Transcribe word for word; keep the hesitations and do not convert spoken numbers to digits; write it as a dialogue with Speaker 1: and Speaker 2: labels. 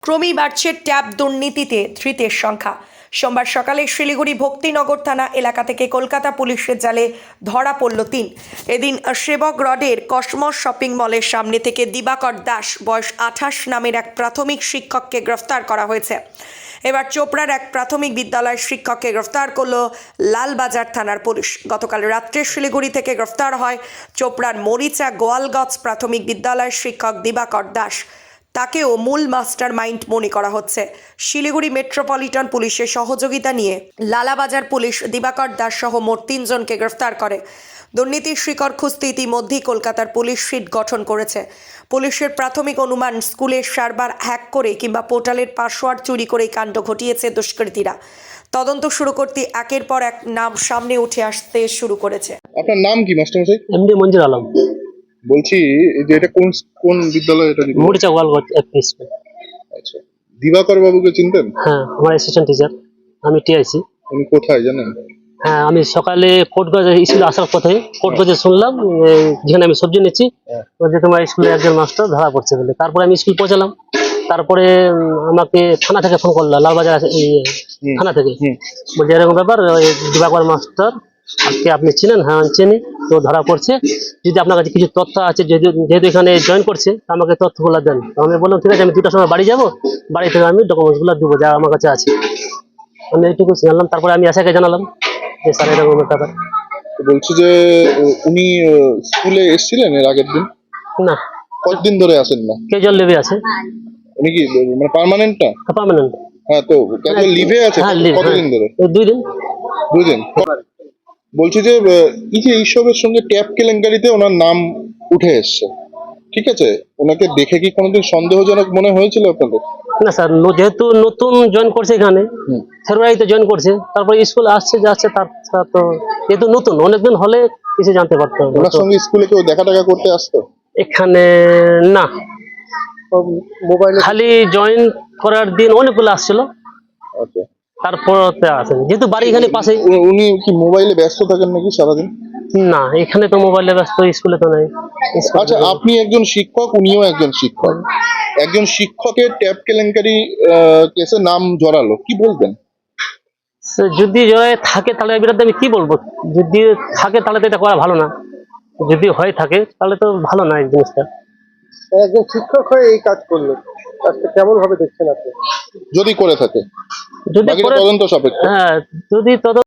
Speaker 1: ক্রমেই বাড়ছে ট্যাব দুর্নীতিতে ধৃতের সংখ্যা। সোমবার সকালে শিলিগুড়ি ভক্তিনগর থানা এলাকা থেকে কলকাতা পুলিশের জালে ধরা পড়ল তিন। এদিন সেবক রডের কসমস শপিং মলের সামনে থেকে দিবাকর দাস বয়স আঠাশ নামের এক প্রাথমিক শিক্ষককে গ্রেফতার করা হয়েছে। এবার চোপড়ার এক প্রাথমিক বিদ্যালয়ের শিক্ষককে গ্রেফতার করল লালবাজার থানার পুলিশ। গতকাল রাত্রে শিলিগুড়ি থেকে গ্রেফতার হয় চোপড়ার মরিচা গোয়ালগঞ্জ প্রাথমিক বিদ্যালয়ের শিক্ষক দিবাকর দাস। তাকেও মূল মাস্টার মাইন্ড মনে করা হচ্ছে। শিলিগুড়ি মেট্রোপলিটন পুলিশের সহযোগিতা নিয়ে লালাবাজার পুলিশ দিবাকর দাস সহ মোট তিনজনকে গ্রেফতার করে। দুর্নীতির শিকড় খুঁজতে ইতিমধ্যেই কলকাতার পুলিশ শিট গঠন করেছে। পুলিশের প্রাথমিক অনুমান, স্কুলের সার্ভার হ্যাক করে কিংবা পোর্টালের পাসওয়ার্ড চুরি করে কাণ্ড ঘটিয়েছে দুষ্কৃতীরা। তদন্ত শুরু করতে একের পর এক নাম সামনে উঠে আসতে শুরু করেছে।
Speaker 2: আপনার নাম কি মাস্টারমশাই?
Speaker 3: এমডি মঞ্জুর আলম।
Speaker 2: বলছি যে এটা কোন কোন বিদ্যালয়? এটা
Speaker 3: মরিচা গোয়ালগঞ্জ এফপি স্কুল।
Speaker 2: আচ্ছা, দিবাকর বাবুকে চিনতেন?
Speaker 3: হ্যাঁ, আমার অ্যাসিস্ট্যান্ট টিচার, আমি টিআইসি।
Speaker 2: উনি কোথায় জানেন?
Speaker 3: হ্যাঁ, আমি সকালে কোটগঞ্জ স্কুলে আসার পথে কোটগঞ্জে শুনলাম যেখানে আমি সবজি নিচ্ছি যে তোমার স্কুলে একজন মাস্টার ধরা পড়ছে বলে। তারপরে আমি স্কুল পৌঁছালাম। তারপরে আমাকে থানা থেকে ফোন করলো, লালবাজার থানা থেকে, বলছে এরকম ব্যাপার, দিবাকর মাস্টার আজকে আপনি চিনেন? হ্যাঁ আমি চিনি। তো ধরা পড়ছে, যদি আপনার কাছে কিছু তথ্য আছে, যেহেতু যেহেতু এখানে জয়েন করছে, আমাকে তথ্যগুলো দেন। আমি বললাম ঠিক আছে, আমি দুটার সময় বাড়ি যাবো, বাড়ি থেকে আমি ডকুমেন্টসগুলো দেবো যা আমার কাছে আছে। আমি এইটুকু জানলাম। তারপরে আমি আশাকে জানালাম যে স্যার এরকম ব্যাপার।
Speaker 2: বলছি যে উনি স্কুলে এসেছিলেন এর আগের দিন?
Speaker 3: না।
Speaker 2: কতদিন ধরে আসেন না?
Speaker 3: ক্যাজুয়াল লিভে আছে।
Speaker 2: উনি কি মানে পার্মানেন্ট না?
Speaker 3: পার্মানেন্ট।
Speaker 2: হ্যাঁ, তো ক্যাজুয়াল লিভে আছে।
Speaker 3: হ্যাঁ, লিভ।
Speaker 2: কতদিন ধরে?
Speaker 3: দুই দিন।
Speaker 2: দুই দিন। বলছি যে এই যে এইসবের সঙ্গে ট্যাব কেলেঙ্কারিতে ওনার নাম উঠে এসছে, ঠিক আছে, ওনাকে দেখে কি কোনোদিন সন্দেহজনক মনে হয়েছিল আপনাদের?
Speaker 3: না স্যার, যেহেতু নতুন জয়েন করছে এখানে, ফেব্রুয়ারিতে জয়েন করছে, তারপরে স্কুল আসছে যাচ্ছে, তার তো যেহেতু নতুন, অনেকদিন হলে কিছু জানতে পারতো।
Speaker 2: ওনার সঙ্গে স্কুলে কেউ দেখা টাকা করতে আসতো?
Speaker 3: এখানে না, মোবাইলে খালি জয়েন করার দিন অনেকগুলো আসছিল।
Speaker 2: আচ্ছা,
Speaker 3: তারপর আসেন, যেহেতু বাড়ি এখানে পাশে।
Speaker 2: উনি কি মোবাইলে ব্যস্ত থাকেন নাকি সারাদিন?
Speaker 3: না, এখানে তো মোবাইলে ব্যস্ত, স্কুলে তো নাই।
Speaker 2: আচ্ছা, আপনি একজন শিক্ষক, উনিও একজন শিক্ষক, একজন শিক্ষকের ট্যাব কেলেঙ্কারি কেসে নাম জড়ালো, কি বলবেন?
Speaker 3: যদি জয় থাকে তাহলে এর বিরুদ্ধে আমি কি বলবো? যদি থাকে তাহলে তো এটা করা ভালো না, যদি হয়ে থাকে তাহলে তো ভালো না এই জিনিসটা।
Speaker 4: একজন শিক্ষক হয়ে এই কাজ করলো, কাজটা কেমন ভাবে দেখছেন আপনি?
Speaker 2: যদি করে থাকে
Speaker 3: যদি
Speaker 2: তদন্ত সাপেক্ষ।
Speaker 3: হ্যাঁ, যদি তদন্ত